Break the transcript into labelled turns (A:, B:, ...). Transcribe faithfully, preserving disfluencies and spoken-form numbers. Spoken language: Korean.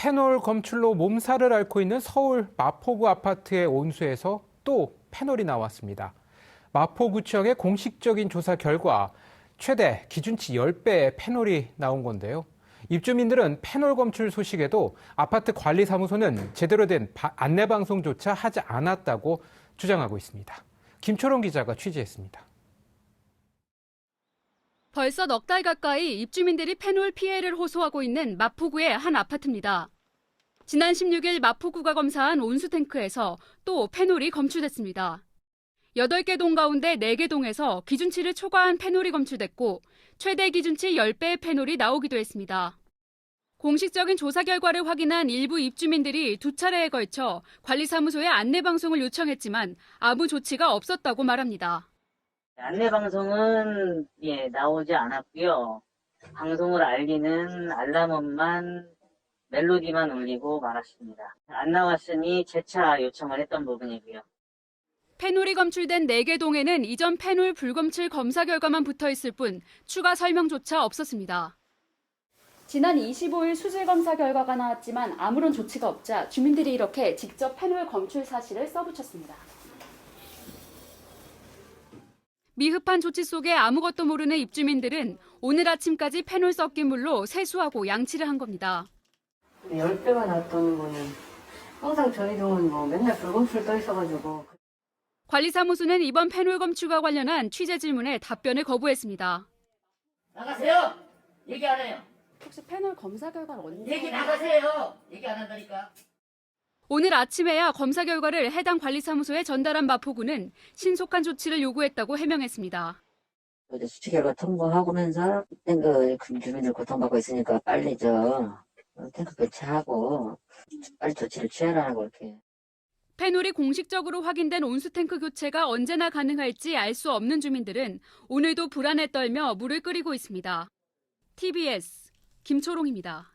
A: 페놀 검출로 몸살을 앓고 있는 서울 마포구 아파트의 온수에서 또 페놀이 나왔습니다. 마포구청의 공식적인 조사 결과 최대 기준치 십 배의 페놀이 나온 건데요. 입주민들은 페놀 검출 소식에도 아파트 관리사무소는 제대로 된 안내방송조차 하지 않았다고 주장하고 있습니다. 김초롱 기자가 취재했습니다.
B: 벌써 넉 달 가까이 입주민들이 페놀 피해를 호소하고 있는 마포구의 한 아파트입니다. 지난 십육 일 마포구가 검사한 온수탱크에서 또 페놀이 검출됐습니다. 여덟 개 동 가운데 네 개 동에서 기준치를 초과한 페놀이 검출됐고 최대 기준치 십 배의 페놀이 나오기도 했습니다. 공식적인 조사 결과를 확인한 일부 입주민들이 두 차례에 걸쳐 관리사무소에 안내방송을 요청했지만 아무 조치가 없었다고 말합니다.
C: 안내방송은 예, 나오지 않았고요. 방송을 알리는 알람음만 멜로디만 울리고 말았습니다. 안 나왔으니 재차 요청을 했던 부분이고요.
B: 페놀이 검출된 네 개 동에는 이전 페놀 불검출 검사 결과만 붙어 있을 뿐 추가 설명조차 없었습니다. 지난 이십오 일 수질 검사 결과가 나왔지만 아무런 조치가 없자 주민들이 이렇게 직접 페놀 검출 사실을 써붙였습니다. 미흡한 조치 속에 아무것도 모르는 입주민들은 오늘 아침까지 페놀 섞인 물로 세수하고 양치를 한 겁니다.
D: 십 배가 났다는 거는 항상 저희 동은 뭐 맨날 불검출 떠 있어가지고.
B: 관리사무소는 이번 페놀 검출과 관련한 취재 질문에 답변을 거부했습니다.
E: 나가세요. 얘기 안 해요.
B: 혹시 페놀 검사 결과를 언제?
E: 얘기 나가세요. 얘기 안 한다니까.
B: 오늘 아침에야 검사 결과를 해당 관리사무소에 전달한 마포구는 신속한 조치를 요구했다고 해명했습니다.
F: 어제 수치 결과 통보하고면서 탱크 주민들 고통받고 있으니까 빨리 저 탱크 교체하고 빨리 조치를 취하라고 이렇게.
B: 페놀이 공식적으로 확인된 온수탱크 교체가 언제나 가능할지 알 수 없는 주민들은 오늘도 불안에 떨며 물을 끓이고 있습니다. 티비에스 김초롱입니다.